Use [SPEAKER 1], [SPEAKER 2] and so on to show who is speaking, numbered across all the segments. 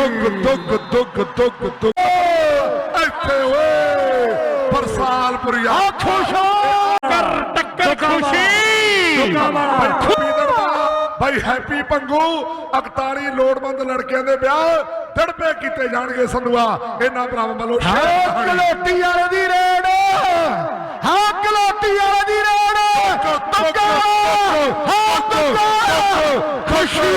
[SPEAKER 1] ਇੱਥੇ ਓਏ ਬਰਸਾਲਪੁਰੀਆ
[SPEAKER 2] ਟੱਕਰ ਖੁਸ਼ੀ
[SPEAKER 1] ਭਾਈ ਹੈਪੀ ਪੰਗੂ 41 ਲੋੜਵੰਦ ਲੜਕਿਆਂ ਦੇ ਵਿਆਹ ਦੜਪੇ ਕੀਤੇ ਜਾਣਗੇ ਸੰਧੂਆ ਇਹਨਾਂ ਭਰਾਵਾਂ ਵੱਲੋਂ।
[SPEAKER 3] ਕਲੋਟੀ ਵਾਲੇ ਦੀ ਰੇਡ, ਹਾਂ ਕਲੋਟੀ ਵਾਲੇ ਦੀ ਰੇਡ,
[SPEAKER 1] ਖੁਸ਼ੀ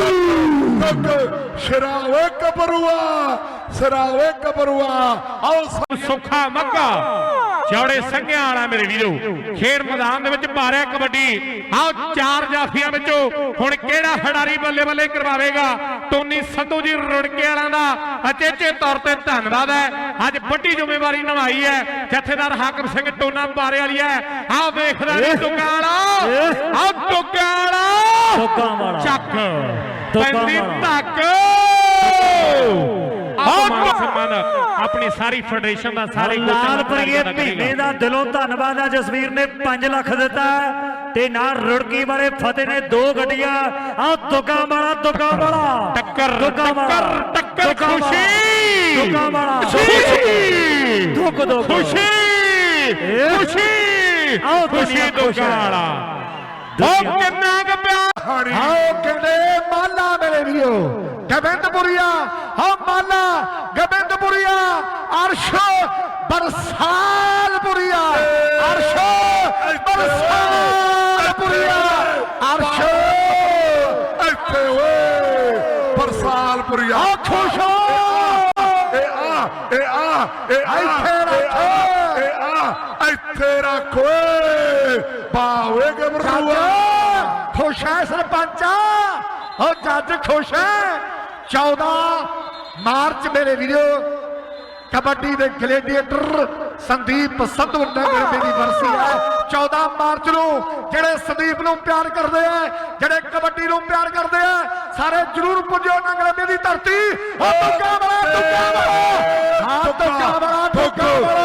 [SPEAKER 1] ਸ਼ਰਾਵੇ ਕਬਰੂਆ, ਸ਼ਰਾਵੇ ਕਬਰੂਆ। ਆਓ
[SPEAKER 2] ਸੁੱਖਾ ਮੱਗਾ ਚੌੜੇ ਸੰਘਿਆਂ ਵਾਲਾ ਮੇਰੇ ਵੀਰੋ ਖੇਡ ਮੈਦਾਨ ਦੇ ਵਿੱਚ ਭਾਰਿਆ ਕਬੱਡੀ। ਆਓ ਚਾਰ ਜਾਫੀਆਂ ਵਿੱਚੋਂ ਹੁਣ ਕਿਹੜਾ ਖਿਡਾਰੀ ਬੱਲੇ ਬੱਲੇ ਕਰਵਾਵੇਗਾ। ਟੋਨੀ ਸੰਧੂ ਜੀ ਰੁੜਕੇ ਵਾਲਿਆਂ ਦਾ ਅਚੇਚੇ ਤੌਰ ਤੇ ਧੰਨਵਾਦ ਹੈ। ਅੱਜ ਵੱਡੀ ਜ਼ਿੰਮੇਵਾਰੀ ਨਿਭਾਈ ਹੈ ਜਥੇਦਾਰ ਹਾਕਮ ਸਿੰਘ ਟੋਨਾ ਬਾਰੇ ਵਾਲੀ ਹੈ। ਆਹ ਵੇਖਦਾ ਨਹੀਂ ਦੁਕਾਲਾ, ਆਹ ਦੁਕਾਲਾ ਚੱਕ ਪੈਂਦੀ ਧੱਕ। ਸਨਮਾਨ ਆਪਣੀ ਸਾਰੀ ਫੈਡਰੇਸ਼ਨ ਦਾ ਸਾਰੇ
[SPEAKER 4] ਲਾਲਪੁਰੀਏ ਮਹੀਨੇ ਦਾ ਦਿਲੋਂ ਧੰਨਵਾਦ ਹੈ। ਜਸਵੀਰ ਨੇ 5 ਲੱਖ ਦਿੱਤਾ ਤੇ ਨਾਲ ਰੁੜਕੀ ਵਾਲੇ ਫਤਿਹ ਨੇ 2 ਗੱਡੀਆਂ। ਆ ਦੁੱਗਾ ਵਾਲਾ
[SPEAKER 2] ਟੱਕਰ ਖੁਸ਼ੀ ਖੁਸ਼ੀ ਖੁਸ਼ੀ ਦੁੱਗਾ ਵਾਲਾ ਉਹ ਕਿੰਨਾ ਕੁ ਪਿਆਰ।
[SPEAKER 3] ਆਓ ਕਹਿੰਦੇ ਮਾਲਾ ਮੇਰੇ ਵੀਰੋ ਗੋਬਿੰਦਪੁਰੀਆ, ਹਾਂ ਮਾਲਾ ਗੋਬਿੰਦਪੁਰੀਆ, ਅਰਸ਼ ਬਰਸਾਲਪੁਰੀਆ, ਅਰਸ਼ ਬਰਸਾਲਪੁਰੀਆ, ਅਰਸ਼
[SPEAKER 1] ਇੱਥੇ ਓਏ ਬਰਸਾਲਪੁਰੀਆ।
[SPEAKER 3] ਆ ਖੁਸ਼ ਹੋ
[SPEAKER 1] ਇੱਥੇ ਰੱਖ ਓਏ ਬਾਵੇ ਗਬਰੂਆ।
[SPEAKER 3] ਖੁਸ਼ ਹੈ ਸਰਪੰਚ, ਉਹ ਜੱਜ ਖੁਸ਼ ਹੈ। 14 ਮਾਰਚ ਮੇਰੇ ਵੀਰੋ ਕਬੱਡੀ ਦੇ ਗਲੇਡੀਏਟਰ ਸੰਦੀਪ ਸੰਧੂ ਨਗਰ ਦੀ ਵਰਸੀ ਹੈ। 14 ਮਾਰਚ ਨੂੰ ਜਿਹੜੇ ਸੰਦੀਪ ਨੂੰ ਪਿਆਰ ਕਰਦੇ ਆ, ਜਿਹੜੇ ਕਬੱਡੀ ਨੂੰ ਪਿਆਰ ਕਰਦੇ ਆ, ਸਾਰੇ ਜਰੂਰ ਪੁੱਜੋ ਨਗਰ ਦੀ ਧਰਤੀ। ਦੁੱਗਾ ਵਾਲਾ, ਦੁੱਗਾ ਵਾਲਾ, ਹਾਂ ਦੁੱਗਾ ਵਾਲਾ, ਦੁੱਗਾ ਵਾਲਾ।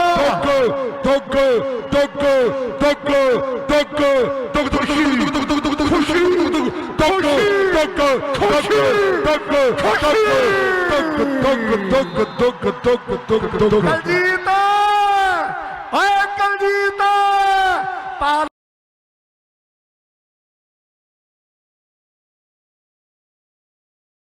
[SPEAKER 3] ਕਲਜੀਤ ਓਏ ਕਲਜੀਤ।